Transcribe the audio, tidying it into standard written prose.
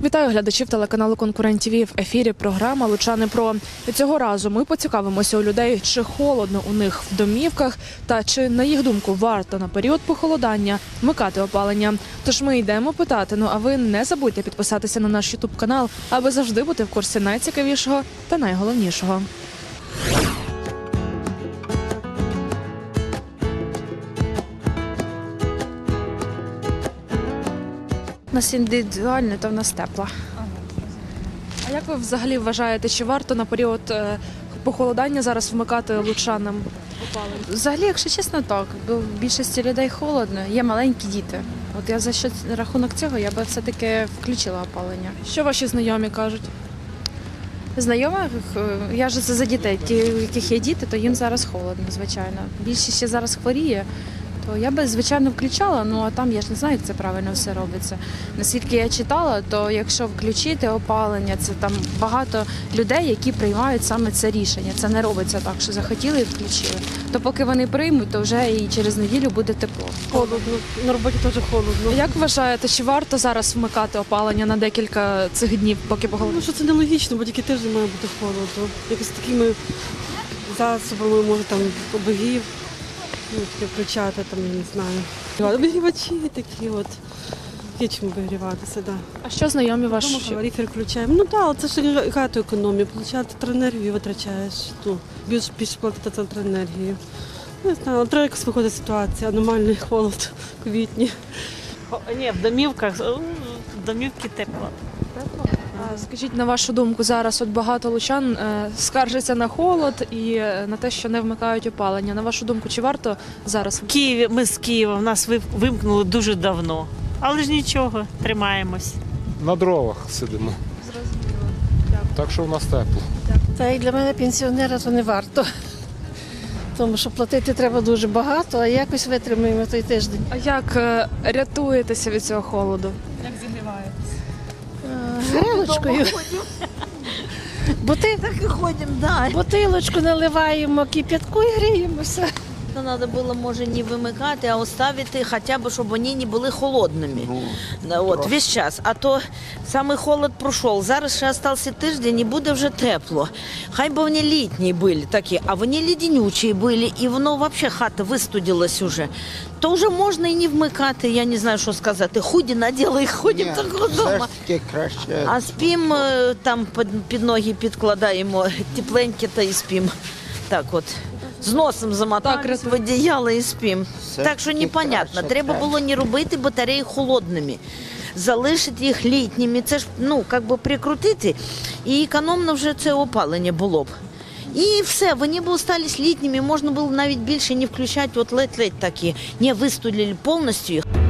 Вітаю глядачів телеканалу «Конкурент ТВ». В ефірі програма «Лучани Про». І цього разу ми поцікавимося у людей, чи холодно у них в домівках та чи, на їх думку, варто на період похолодання вмикати опалення. Тож ми йдемо питати, а ви не забудьте підписатися на наш ютуб-канал, аби завжди бути в курсі найцікавішого та найголовнішого. У нас індивідуально, то в нас тепло. А як ви взагалі вважаєте, чи варто на період похолодання зараз вмикати лучанам опалення? Взагалі, якщо чесно, так. Бо в більшості людей холодно, є маленькі діти. От я за рахунок цього я би все-таки включила опалення. Що ваші знайомі кажуть? Знайомих, я ж це за дітей, ті, у яких є діти, то їм зараз холодно, звичайно. Більшість ще зараз хворіє, то я би, звичайно, включала, а там я ж не знаю, як це правильно все робиться. Наскільки я читала, то якщо включити опалення, це там багато людей, які приймають саме це рішення. Це не робиться так, що захотіли і включили. То поки вони приймуть, то вже і через неділю буде тепло. Холодно, на роботі теж холодно. Як вважаєте, чи варто зараз вмикати опалення на декілька цих днів, поки погода? Ну, що це нелогічно, бо тільки тиждень має бути холодно. Якось такими засобами, може, там, обігрів, таке включати, там, я не знаю. Обігрівачі такі от. Є чим обігріватися, так. Да. А що знайомі Дома ваші? калорифер включаємо. Ну так, але це ж багато економії. Получати електроенергію витрачаєш. Більше платити за електроенергію. Не знаю, але треба якось виходить ситуація. Аномальний холод в квітні. Ні, в домівках, в домівки тепло. А скажіть, на вашу думку, зараз от багато лучан скаржаться на холод і на те, що не вмикають опалення. На вашу думку, чи варто зараз? В Києві, ми з Києва, нас вимкнули дуже давно. Але ж нічого, тримаємось. На дровах сидимо. Зрозуміло. Так що в нас тепло. Та і для мене пенсіонера то не варто. Тому що платити треба дуже багато, а якось витримуємо той тиждень. А як рятуєтеся від цього холоду? Грілочкою. Так и ходим, да. Бутилочку наливаємо кип'ятку і гріємося. Надо було, може, не вимикати, а оставити хоча б, щоб вони не були холодними. От, весь час. А то самий холод пройшов. Зараз ще залишився тиждень і буде вже тепло. Хай би вони літні були такі, а вони леденючі були, і воно взагалі хата вистудилась уже. То вже можна і не вмикати, я не знаю, що сказати. Худі наділи і ходимо так вдома. А спимо, там під ноги підкладаємо тепленьке та і спимо. Так от. З носом замотались в одіяло і спимо. Так що непонятно. Треба було не робити батареї холодними. Залишити їх літніми. Це ж, прикрутити. І економно вже це опалення було б. І все, вони б залишились літніми. Можна було навіть більше не включати, от ледь-ледь такі. Не вистудили повністю їх.